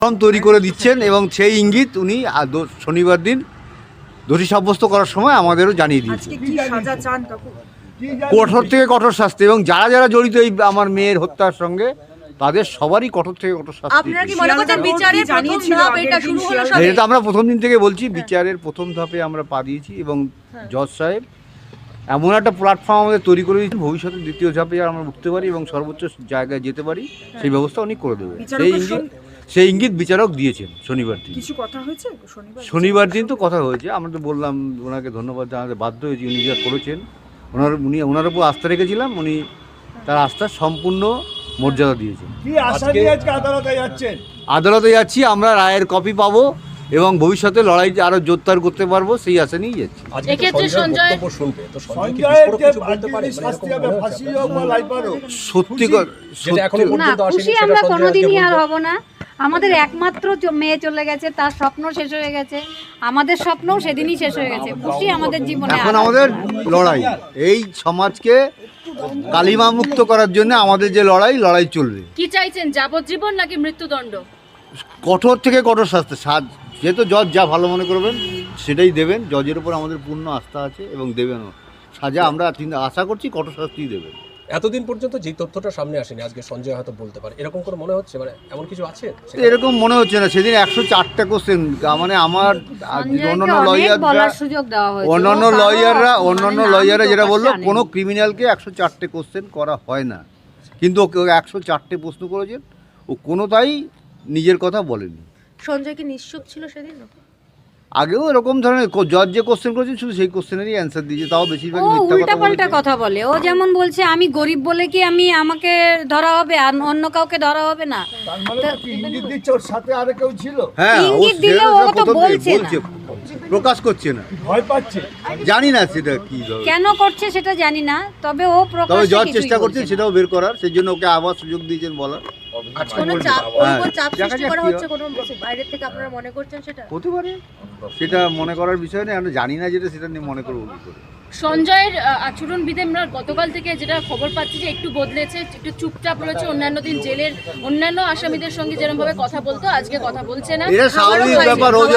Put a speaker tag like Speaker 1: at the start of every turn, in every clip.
Speaker 1: তৈরি করে দিচ্ছেন এবং সেই ইঙ্গিত উনি শনিবার দিন দোষী সাব্যস্ত করার সময় আমাদেরও জানিয়ে দিয়েছেন। কঠোর থেকে কঠোর শাস্তি, এবং যারা যারা জড়িত এই আমার মেয়ের হত্যার সঙ্গে তাদের সবারই কঠোর থেকে কঠোর শাস্তি। এটা আমরা প্রথম দিন থেকে বলছি, বিচারের প্রথম ধাপে আমরা পা দিয়েছি এবং জজ সাহেব এমন একটা প্ল্যাটফর্ম আমাদের তৈরি করে দিয়েছেন, ভবিষ্যতে দ্বিতীয় ধাপে আমরা উঠতে পারি এবং সর্বোচ্চ জায়গায় যেতে পারি সেই ব্যবস্থা উনি করে দেবেন। সেই ইঙ্গিত বিচারক দিয়েছেন শনিবার দিন।
Speaker 2: কিছু কথা হয়েছে
Speaker 1: শনিবার দিন তো কথা হয়েছে, আমরা তো বললাম ওনাকে ধন্যবাদ জানাতে বাধ্য হয়েছি, উনি যা করেছেন ওনার উপর আস্থা রেখেছিলাম, উনি তার আস্থার সম্পূর্ণ মর্যাদা দিয়েছেন। আদালতে যাচ্ছি, আমরা রায়ের কপি পাবো এবং ভবিষ্যতে লড়াই আরো জোরদার করতে পারবো সেই আশা নিয়েই যাচ্ছি।
Speaker 3: খুশি আমরা কোনোদিনই আর হব না। আমাদের একমাত্র মেয়ে চলে গেছে, তার স্বপ্ন শেষ হয়ে গেছে, আমাদের স্বপ্নও সেদিনই শেষ হয়ে গেছে। খুশি আমাদের জীবনে।
Speaker 1: এখন আমাদের লড়াই এই সমাজকে কালিমা মুক্ত করার জন্য আমাদের যে লড়াই চলবে।
Speaker 4: কি চাইছেন, যাবজ্জীবন নাকি মৃত্যুদণ্ড?
Speaker 1: কঠোর থেকে কঠোর শাস্তি, যেহেতু জজ যা ভালো মনে করবেন সেটাই দেবেন। জজের উপর আমাদের পূর্ণ আস্থা আছে এবং দেবেনও সাজা। আমরা আশা করছি কঠোর শাস্তি দেবেন।
Speaker 5: এতদিন পর্যন্ত যে তথ্যটা সামনে আসেনি, আজকে সঞ্জয় হয়তো বলতে পারে, এরকম করে মনে হচ্ছে? মানে এমন কিছু আছে?
Speaker 1: এরকম মনে হচ্ছে না। সেদিন 104টা কোশ্চেন, মানে আমার অন্যান্য লয়াররা যেটা বললো, কোনো ক্রিমিনালকে 104টে কোশ্চেন করা হয় না, কিন্তু ওকে 104টে প্রশ্ন করেছেন, ও কোনোটাই নিজের কথা বলেনি।
Speaker 4: সঞ্জয় কি নিশ্চুপ ছিল সেদিন?
Speaker 1: আগেও এরকম ধরনের জজ যে কোশ্চেন করেছেন শুধু সেই কোশ্চেনেরই অ্যান্সার দিয়েছে, তাও বেশিরভাগ
Speaker 3: উল্টাপাল্টা কথা বলে। ও যেমন বলছে আমি গরিব বলে কি আমাকে ধরা হবে আর অন্য কাউকে ধরা হবে না।
Speaker 1: ইঙ্গিত দিচ্ছে ওর সাথে আর কেউ ছিল। হ্যাঁ,
Speaker 3: ইঙ্গিত দিলে ও তো বলছে না,
Speaker 1: প্রকাশ করছে না, ভয় পাচ্ছে। জানি না সেটা কি
Speaker 3: কেন করছে সেটা জানি না, তবে ও প্রকাশ
Speaker 1: তবে জজ চেষ্টা করছে সেটাও বের করার, সেই জন্য ওকে আবার সুযোগ দিয়েছেন বলার।
Speaker 4: কোনো চাপ সৃষ্টি করা হচ্ছে কোনো বাইরে থেকে, আপনারা মনে করছেন সেটা
Speaker 1: হতে পারে? সেটা মনে করার বিষয় নেই, আমরা জানি না যেটা, সেটা নিয়ে মনে করবো।
Speaker 4: সঞ্জয়ের আচরণবিধি আমরা গতকাল থেকে যেটা খবর পাচ্ছি যে একটু বদলেছে, একটু চুপচাপ রয়েছে। অন্যান্য দিন জেলের অন্যান্য আসামিদের সঙ্গে যেরকম ভাবে কথা বলতো আজকে কথা বলছে না।
Speaker 1: এটা স্বাভাবিক ব্যাপার, ওর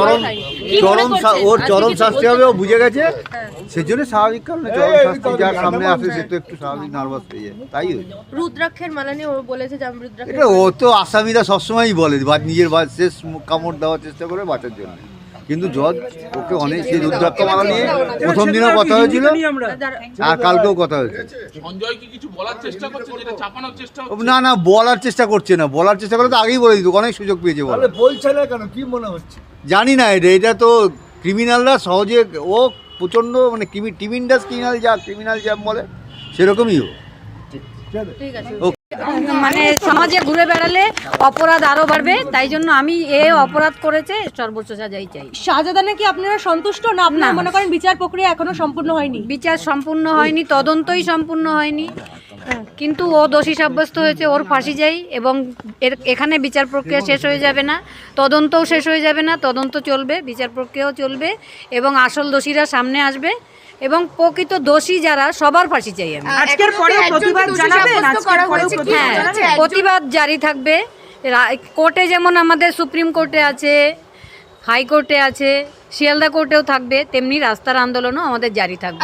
Speaker 1: চরম শাস্তি হবে, ও বুঝে গেছে, সেজন্য স্বাভাবিক কারণে চরম শাস্তি যার সামনে আসে সে তো একটু স্বাভাবিক নার্ভাস হয়ে যায়, তাই হয়েছে।
Speaker 4: রুদ্রাক্ষের মালা নিয়ে ও বলেছে যে আমি রুদ্রাক্ষ,
Speaker 1: এটা ও তো আসামিরা সবসময়ই বলে নিজের শেষ কামড় দেওয়ার চেষ্টা করে বাঁচার জন্য, কিন্তু জজ ওকে অনেক সেই রুদ্রাক্ষ মালা নিয়ে প্রথম দিনও কথা হয়েছিল আর কালকেও কথা হয়েছে। না বলার চেষ্টা করছে না, বলার চেষ্টা করে তো আগেই বলে দিত, অনেক সুযোগ পেয়েছে। বলছে না কেন, কি মনে হচ্ছে জানি না। এটা তো ক্রিমিনালরা সহজে, ও প্রচণ্ড মানে টিমিন্ডাস ক্রিমিনাল যা বলে সেরকমই ও।
Speaker 4: ঠিক আছে,
Speaker 3: মানে সমাজে ঘুরে বেড়ালে অপরাধ আরো বাড়বে, তাই জন্য আমি অপরাধ করেছে সর্বোচ্চ সাজাই চাই।
Speaker 2: শাহজাদা কি আপনারা সন্তুষ্ট না? আপনারা মনে করেন বিচার প্রক্রিয়া এখনো সম্পূর্ণ হয়নি?
Speaker 3: বিচার সম্পূর্ণ হয়নি, তদন্তই সম্পূর্ণ হয়নি, কিন্তু ও দোষী সাব্যস্ত হয়েছে, ওর ফাঁসি চাই। এবং এখানে বিচার প্রক্রিয়া শেষ হয়ে যাবে না, তদন্তও শেষ হয়ে যাবে না, তদন্ত চলবে, বিচার প্রক্রিয়াও চলবে এবং আসল দোষীরা সামনে আসবে এবং প্রকৃত দোষী যারা সবার ফাঁসি চাই আমি।
Speaker 2: আজকের পরে প্রতিবাদ জানাবেন?
Speaker 3: হ্যাঁ, প্রতিবাদ জারি থাকবে। কোর্টে যেমন আমাদের সুপ্রিম কোর্টে আছে, হাইকোর্টে আছে, শিয়ালদা কোর্টেও থাকবে, তেমনি রাস্তার আন্দোলনও আমাদের জারি থাকবে।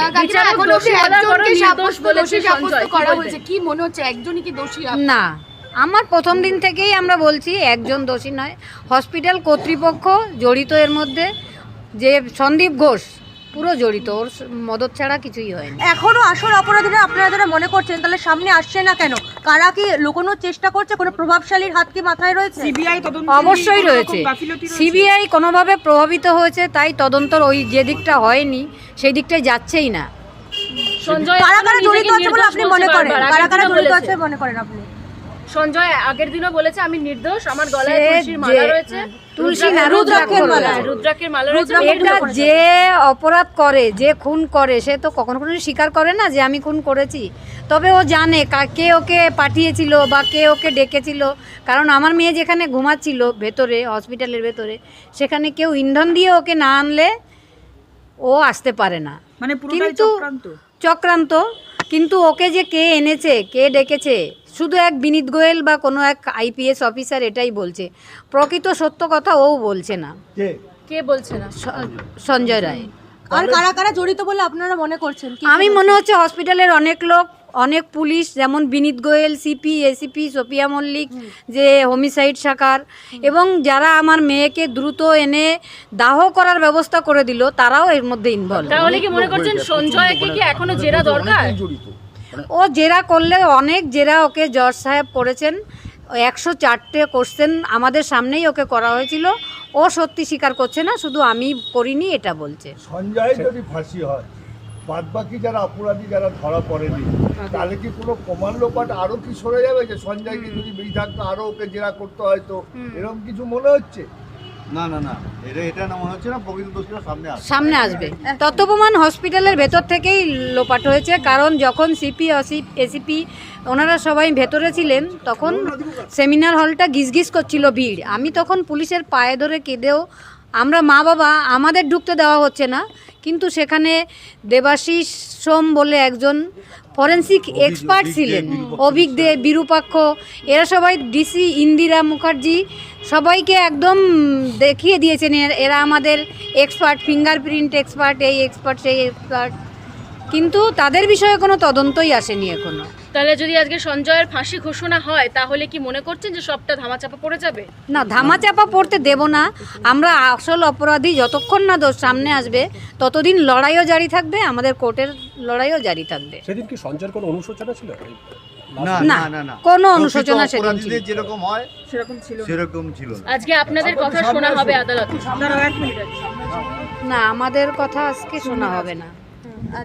Speaker 3: না, আমার প্রথম দিন থেকেই আমরা বলছি একজন দোষী নয়, হসপিটাল কর্তৃপক্ষ জড়িত এর মধ্যে, যে সন্দীপ ঘোষ পুরো জড়িত, ওর মদত ছাড়া কিছুই হয়নি।
Speaker 2: এখনো আসল অপরাধীরা আপনারা যারা মনে করছেন তাহলে সামনে আসছে না কেন? কারা কি লুকোনোর চেষ্টা করছে? কোনো প্রভাবশালীর হাত কি মাথায় রয়েছে? সিবিআই তদন্ত
Speaker 3: অবশ্যই রয়েছে, সিবিআই কোনোভাবে প্রভাবিত হয়েছে, তাই তদন্তর ওই যে দিকটা হয়নি সেই দিকটাই যাচ্ছেই না।
Speaker 4: সঞ্জয়
Speaker 2: কারা কারা জড়িত আছে বলে আপনি মনে করেন? কারা কারা জড়িত আছে মনে করেন আপনি?
Speaker 4: সঞ্জয় আগের দিনও বলেছে আমি নির্দোষ, আমার গলায় তুলসীর মালা রয়েছে,
Speaker 3: তুলসী না রুদ্রাক্ষের
Speaker 4: মালা রয়েছে।
Speaker 3: এটা যে অপরাধ করে, যে খুন করে, সে তো কখনো স্বীকার করে না যে আমি খুন করেছি, তবে ও জানে কে ওকে পাঠিয়েছিল বা কে ওকে ডেকেছিল। কারণ আমার মেয়ে যেখানে ঘুমাচ্ছিল ভেতরে, হসপিটালের ভেতরে, সেখানে কেউ ইন্ধন দিয়ে ওকে না আনলে ও আসতে পারে না।
Speaker 2: মানে পুরোটাই চক্রান্ত।
Speaker 3: কিন্তু ওকে যে কে এনেছে, কে ডেকেছে, শুধু এক বিনীত গোয়েল বা কোনো এক আইপিএস অফিসার এটাই বলছে, প্রকৃত সত্য কথা ও বলছে না।
Speaker 4: কে বলছে না?
Speaker 3: সঞ্জয় রায়।
Speaker 2: আর কারা কারা জড়িত বলে আপনারা মনে করছেন?
Speaker 3: আমি মনে হচ্ছে হসপিটালের অনেক লোক, অনেক পুলিশ, যেমন Vineet Goyal, CP, ACP, Sophia Mallik, যে হোমিসাইড শাখার, এবং যারা আমার মেয়েকে দ্রুত এনে দাহ করার ব্যবস্থা করে দিল, তারাও এর মধ্যে ইনভলভ।
Speaker 4: তাহলে কি মনে করছেন সঞ্জয়কে কি এখনো জেরা দরকার?
Speaker 3: ও জেরা করলে অনেক জেরা ওকে জজ সাহেব করেছেন, 104টে কোশ্চেন আমাদের সামনেই ওকে করা হয়েছিল। ও সত্যি স্বীকার করছে না, শুধু আমি করিনি এটা বলছে।
Speaker 6: সঞ্জয় যদি ফাঁসি হয়, বাদবাকি যারা অপরাধী যারা ধরা পড়েনি, তাহলে কি কোনো প্রমাণ লোপাট আরো কি সরে যাবে? যে সঞ্জয়কে যদি বেশি থাকতো আরো ওকে জেরা করতে হয়তো, এরকম কিছু মনে হচ্ছে?
Speaker 1: না না না, এটা না মনে হচ্ছে না, প্রকৃত দোষীরা
Speaker 3: সামনে আসবে। তত্ত্বপ্রমাণ হসপিটালের ভেতর থেকেই লোপাট হয়েছে, কারণ যখন সিপি, এসিপি ওনারা সবাই ভেতরে ছিলেন, তখন সেমিনার হলটা গিজগিজ করছিল ভিড়। আমি তখন পুলিশের পায়ে ধরে কেঁদেও, আমরা মা বাবা, আমাদের ঢুকতে দেওয়া হচ্ছে না, কিন্তু সেখানে দেবাশিস সোম বলে একজন ফরেন্সিক এক্সপার্ট ছিলেন, অভিজ্ঞ বিরূপাক্ষ, এরা সবাই, ডিসি ইন্দিরা মুখার্জি, সবাইকে একদম দেখিয়ে দিয়েছেন এরা আমাদের এক্সপার্ট, ফিঙ্গারপ্রিন্ট এক্সপার্ট, এই এক্সপার্ট সেই এক্সপার্ট, কিন্তু তাদের বিষয়ে কোনো তদন্তই আসেনি এখনো।
Speaker 4: তাহলে যদি আজকে সঞ্জয়ের ফাঁসি ঘোষণা হয়, তাহলে কি মনে করছেন যে সবটা ধামাচাপা পড়ে যাবে?
Speaker 3: না, ধামাচাপা পড়তে দেব না আমরা। আসল অপরাধী যতক্ষণ না দোষ সামনে আসবে, ততদিন লড়াইও জারি থাকবে, আমাদের কোর্টের লড়াইও জারি থাকবে।
Speaker 5: সেদিন কি সঞ্জয়ের কোনো অনুশোচনা ছিল?
Speaker 1: না
Speaker 3: না,
Speaker 1: না না না,
Speaker 3: কোনো অনুশোচনা সেদিন ছিল
Speaker 1: অপরাধীদের যেরকম হয় সেরকম ছিল না।
Speaker 4: আজকে আপনাদের কথা শোনা হবে আদালতে?
Speaker 3: না, আমাদের কথা আজকে শোনা হবে না।